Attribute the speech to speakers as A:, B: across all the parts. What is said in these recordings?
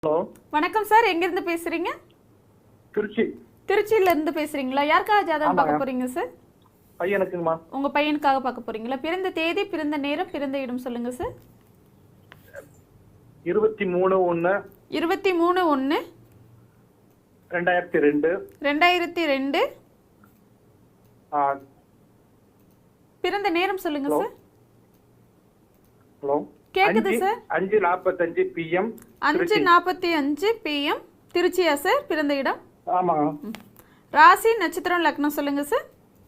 A: Hello,
B: வணக்கம் sir, எங்கிருந்து பேசுறீங்க?
A: திருச்சி.
B: திருச்சியில இருந்து பேசுறீங்களா? யாருக்காக ஜாதகம் பார்க்க போறீங்க சார்?
A: பையனுக்குமா?
B: உங்க பையனுக்காக பார்க்க போறீங்களா? பிறந்த தேதி, பிறந்த நேரம், பிறந்த இடம் சொல்லுங்க சார்.
A: 23/1
B: 23/1
A: 2002.
B: 2002.
A: ஆ,
B: பிறந்த நேரம் சொல்லுங்க
A: ஹலோ.
B: சார்.
A: ஹலோ,
B: கேக்குது சார்.
A: 5:45 PM.
B: 5:45 PM. திருச்சியா சார்? பிறந்த இடம்?
A: ஆமா.
B: ராசி, நட்சத்திரம், லக்னம் சொல்லுங்க சார்.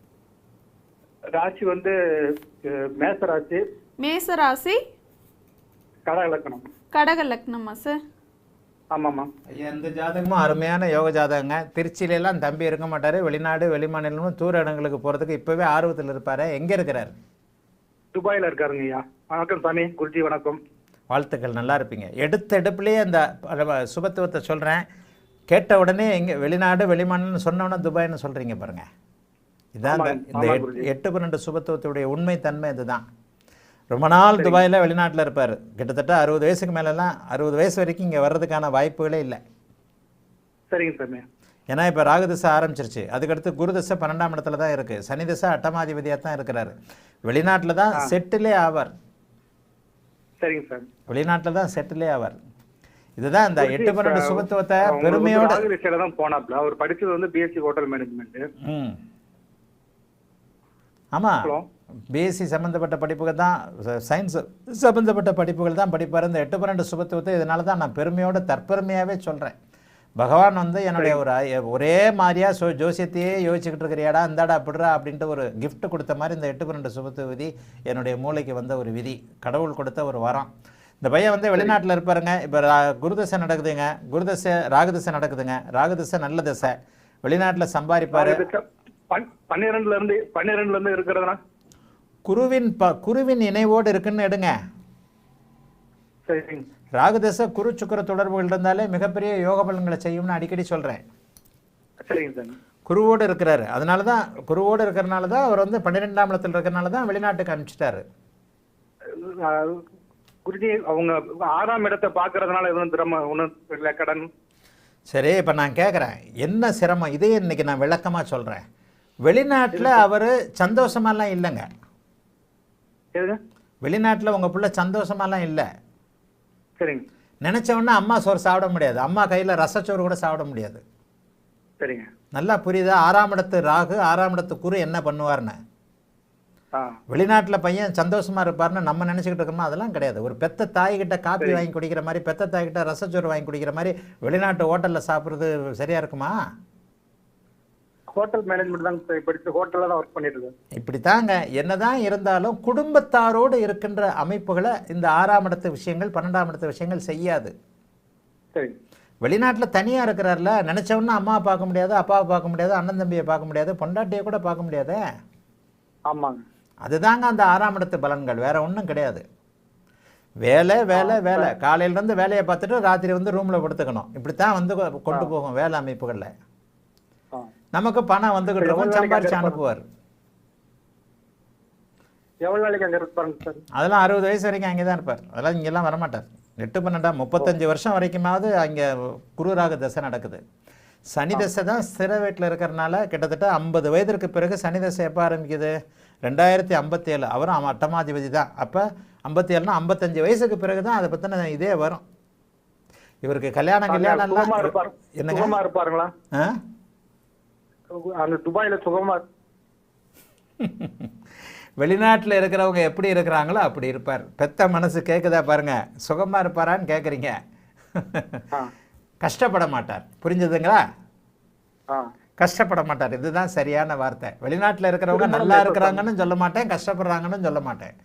A: ராசி வந்து மேச ராசி.
B: மேச ராசி.
A: கடக லக்னம்.
B: கடக லக்னமா சார்?
A: ஆமாம்மா.
C: ஐயா, இந்த ஜாதகமும் அருமையான யோக ஜாதகங்க. திருச்சியிலலாம் தம்பி இருக்க மாட்டார். வெளிநாடு வெளிமாநிலமும் தூர இடங்களுக்கு போகிறதுக்கு இப்போவே ஆர்வத்தில் இருப்பார். எங்கே இருக்கிறார்?
A: துபாயில இருக்காருங்க ஐயா. வணக்கம் சாமி. குருஜி வணக்கம்.
C: வாழ்த்துக்கள், நல்லா இருப்பீங்க. எடுத்த எடுப்புலேயே அந்த சுபத்துவத்தை சொல்கிறேன். கேட்ட உடனே எங்கே வெளிநாடு வெளிமாநிலம் சொன்னோன்னே துபாய்னு சொல்கிறீங்க பாருங்கள். இதான் இந்த 8-12 சுபத்துவத்துடைய உண்மை தன்மை இதுதான். ரொம்ப நாள் துபாயில் வெளிநாட்டில் இருப்பார். கிட்டத்தட்ட 60 வயசுக்கு மேலெல்லாம் 60 வயசு வரைக்கும் இங்கே வர்றதுக்கான வாய்ப்புகளே இல்லை.
A: சரிங்க சாமி.
C: ஏன்னா இப்போ ராகுதிசை ஆரம்பிச்சிருச்சு. அதுக்கடுத்து குருதிசை 12ஆம் இடத்துல தான் இருக்குது. சனி திசை அட்டமாதிபதியாக தான் இருக்கிறாரு. வெளிநாட்டில் தான் செட்டிலே ஆவார்.
A: சரிங்க சார்.
C: வெளிநாட்டில் தான் செட்டிலே ஆவார். இதுதான் இந்த 8-12 சுபத்துவத்தை பெருமையோட
A: தான் போனாப்ல. அவர் படிச்சது வந்து பிஎஸ்சி ஹோட்டல் மேனேஜ்மெண்ட்.
C: ஆமாம், பிஎஸ்சி சம்மந்தப்பட்ட படிப்புகள் தான், சயின்ஸ் சம்மந்தப்பட்ட படிப்புகள் தான் படிப்பார். இந்த 8-12 சுபத்துவத்தை இதனால தான் நான் பெருமையோட தற்பெருமையாகவே சொல்கிறேன். பகவான் வந்து என்னுடைய ஒரே மாதிரியாக ஜோசியத்தையே யோசிச்சுக்கிட்டு இருக்கிறியாடா, இந்தாடா அப்படிடா அப்படின்ட்டு ஒரு கிஃப்ட் கொடுத்த மாதிரி இந்த 8-12 சுபத்துவ விதி என்னுடைய மூளைக்கு வந்த ஒரு விதி, கடவுள் கொடுத்த ஒரு வரம். இந்த பையன் வந்து வெளிநாட்டில் இருப்பாருங்க. இப்போ குருதசை நடக்குதுங்க, ராகுதசை நடக்குதுங்க. ராகுதசை நல்ல தசை. வெளிநாட்டில் சம்பாதிப்பார்.
A: 12 இருக்கிறதுனா
C: குருவின் இணைவோடு இருக்குன்னு எடுங்க.
A: சரிங்க.
C: ராகுதசை குரு சுக்கிர தொடர்புகள் இருந்தாலே மிகப்பெரிய யோக பலன்களை செய்யும்னு அடிக்கடி சொல்கிறேன்.
A: சரிங்க சார்.
C: குருவோடு இருக்கிறாரு. அதனால தான் குருவோடு இருக்கிறனால தான் அவர் வந்து 12ஆம் இடத்துல இருக்கிறனால தான் வெளிநாட்டுக்கு அனுப்பிச்சிட்டாரு.
A: குருஜி, அவங்க 6ஆம் இடத்தை பார்க்கறதுனால எதுவும் திறமை ஒன்றும் இல்லை கடன்?
C: சரி, இப்போ நான் கேட்குறேன், என்ன சிரமம்? இதே இன்னைக்கு நான் விளக்கமாக சொல்கிறேன். வெளிநாட்டில் அவர் சந்தோஷமாலாம் இல்லைங்க. வெளிநாட்டில் உங்கள் பிள்ளை சந்தோஷமாலாம் இல்லை.
A: சரிங்க.
C: நினச்சவொன்னே அம்மா சோறு சாப்பிட முடியாது. அம்மா கையில் ரசச்சோறு கூட சாப்பிட முடியாது.
A: சரிங்க.
C: நல்லா புரியுதா? 6ஆம் இடத்து ராகு, 6ஆம் இடத்து குரு என்ன பண்ணுவார்னு. வெளிநாட்டில் பையன் சந்தோஷமாக இருப்பார்னு நம்ம நினச்சிக்கிட்டு இருக்கோம்னா அதெல்லாம் கிடையாது. ஒரு பெத்த தாய்கிட்ட காப்பி வாங்கி குடிக்கிற மாதிரி, பெத்த தாய்கிட்ட ரசச்சோறு வாங்கி குடிக்கிற மாதிரி வெளிநாட்டு ஹோட்டலில் சாப்பிட்றது சரியாக இருக்குமா?
A: ஹோட்டல் மேனேஜ்மெண்ட் தான் படிச்சு ஹோட்டலில் தான் ஒர்க் பண்ணிட்டு இருக்கேன்.
C: இப்படி தாங்க. என்னதான் இருந்தாலும் குடும்பத்தாரோடு இருக்கின்ற அமைப்புகளை இந்த 6ஆம் இடத்து விஷயங்கள் 12ஆம் இடத்து விஷயங்கள் செய்யாது.
A: சரி.
C: வெளிநாட்டில் தனியாக இருக்கிறார்ல, நினச்சவொன்னே அம்மாவை பார்க்க முடியாது, அப்பாவை பார்க்க முடியாது, அண்ணன் தம்பியை பார்க்க முடியாது, பொண்டாட்டியை கூட பார்க்க முடியாது.
A: ஆமாங்க.
C: அதுதாங்க அந்த 6ஆம் இடத்து பலன்கள், வேற ஒன்றும் கிடையாது. வேலை வேலை வேலை, காலையிலேருந்து வேலையை பார்த்துட்டு ராத்திரி வந்து ரூமில் படுத்துக்கணும். இப்படித்தான் வந்து கொண்டு போகும் வேலை அமைப்புகளில். நமக்கு பணம் வந்துகிட்டு இருக்கும், சம்பாரிச்சு அனுப்புவார்.
A: எவ்வளவு நாளைக்கு அங்கே இருப்பாருங்க சார்?
C: அதெல்லாம் 60 வயசு வரைக்கும் அங்கே தான் இருப்பார். அதெல்லாம் இங்கெல்லாம் வரமாட்டார். 8-12 35 வருஷம் வரைக்குமாவது அங்கே குருராக தசை நடக்குது. சனி தசை தான் ஸ்திர வீட்டில் இருக்கிறனால கிட்டத்தட்ட 50 வயதிற்கு பிறகு சனி தசை எப்போ ஆரம்பிக்குது? 2057. அவரும் அட்டமாதிபதி தான். அப்போ 57னா 55 வயசுக்கு பிறகு தான் அதை பற்றின இதே வரும். இவருக்கு கல்யாணம்
A: என்னங்க இருப்பாருங்களா? அந்த துபாயில சுகமா
C: வெளிநாட்டில் இருக்கிறவங்க எப்படி இருக்கிறாங்களோ அப்படி இருப்பார். பெத்த மனசு கேட்குதா பாருங்க. சுகமா இருப்பாரான்னு கேட்குறீங்க. கஷ்டப்பட மாட்டார். புரிஞ்சுதுங்களா? கஷ்டப்பட மாட்டார். இதுதான் சரியான வார்த்தை. வெளிநாட்டில் இருக்கிறவங்க நல்லா இருக்கிறாங்கன்னு சொல்ல மாட்டேன், கஷ்டப்படுறாங்கன்னு சொல்ல மாட்டேன்.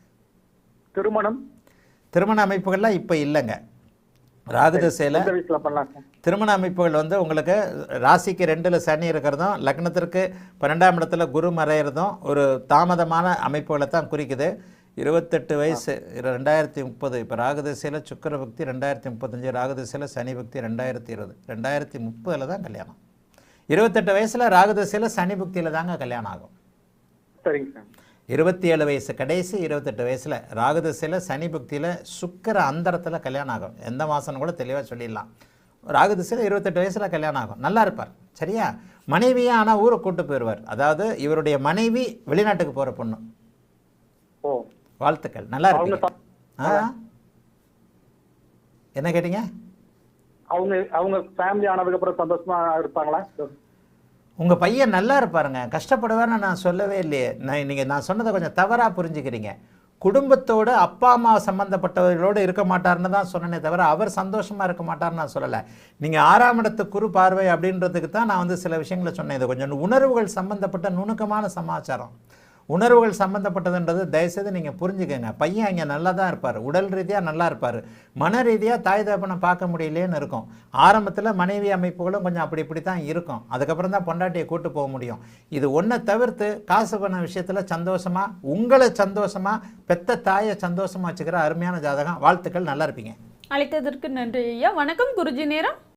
C: திருமண அமைப்புகள்லாம் இப்போ இல்லைங்க. ராகுதசையில் திருமண அமைப்புகள் வந்து உங்களுக்கு ராசிக்கு 2ல் சனி இருக்கிறதும் லக்னத்திற்கு 12ஆம் இடத்துல குரு மறையிறதும் ஒரு தாமதமான அமைப்புகளை தான் குறிக்குது. 28 வயசு 2030. இப்போ ராகுதசையில் சுக்கிர பக்தி 2035, ராகுதசையில் சனி பக்தி 2020. 2030 தான் கல்யாணம். 28 வயசில் ராகுதசையில் சனி பக்தியில் தாங்க கல்யாணம் ஆகும்.
A: சரிங்க சார்.
C: 27 வயசு கடைசி 28 வயசில் ராகுதசையில் சனி பக்தியில் சுக்கிர அந்தரத்தில் கல்யாணம் ஆகும். எந்த மாதம்னு கூட தெளிவாக சொல்லிடலாம். ராகு திசையில் 28 வயசில் கல்யாணம் ஆகும், நல்லா இருப்பார். சரியா? மனைவியே ஆனால் ஊரை கூட்டு போயிடுவார். அதாவது இவருடைய மனைவி வெளிநாட்டுக்கு போகிற பொண்ணு.
A: ஓ,
C: வாழ்த்துக்கள், நல்லா இருப்பீங்க. என்ன கேட்டீங்க?
A: அவங்க அவங்க ஃபேமிலி ஆனதுக்கு அப்புறம் சந்தோஷமா இருப்பாங்களா?
C: உங்கள் பையன் நல்லா இருப்பாருங்க, கஷ்டப்படுவார்னு நான் சொல்லவே இல்லையே. நான் சொன்னதை கொஞ்சம் தவறாக புரிஞ்சுக்கிறீங்க. குடும்பத்தோடு அப்பா அம்மா சம்மந்தப்பட்டவர்களோடு இருக்க மாட்டார்னு தான் சொன்னனே தவிர அவர் சந்தோஷமாக இருக்க மாட்டார்னு நான் சொல்லலை. நீங்கள் 6ஆம் இடத்து குரு பார்வை அப்படின்றதுக்கு தான் நான் சில விஷயங்களை சொன்னேன். இது கொஞ்சம் உணர்வுகள் சம்மந்தப்பட்ட நுணுக்கமான சமாச்சாரம். உணர்வுகள் சம்மந்தப்பட்டதுன்றது தயவுசெய்து நீங்கள் புரிஞ்சுக்கங்க. பையன் இங்கே நல்லா தான் இருப்பார், உடல் ரீதியாக நல்லா இருப்பார், மன ரீதியாக தாய் தகப்பனை பார்க்க முடியலேன்னு இருக்கும். ஆரம்பத்தில் மனைவி அமைப்புகளும் கொஞ்சம் அப்படி இப்படி தான் இருக்கும். அதுக்கப்புறம் தான் பொண்டாட்டியை கூட்டு போக முடியும். இது ஒன்றை தவிர்த்து காசு பண்ண விஷயத்தில் சந்தோஷமாக, உங்களை சந்தோஷமாக, பெத்த தாயை சந்தோஷமாக வச்சுக்கிற அருமையான ஜாதகம். வாழ்த்துக்கள், நல்லா இருப்பீங்க.
B: அழைத்ததற்கு நன்றி ஐயா. வணக்கம் குருஜி. நேரம்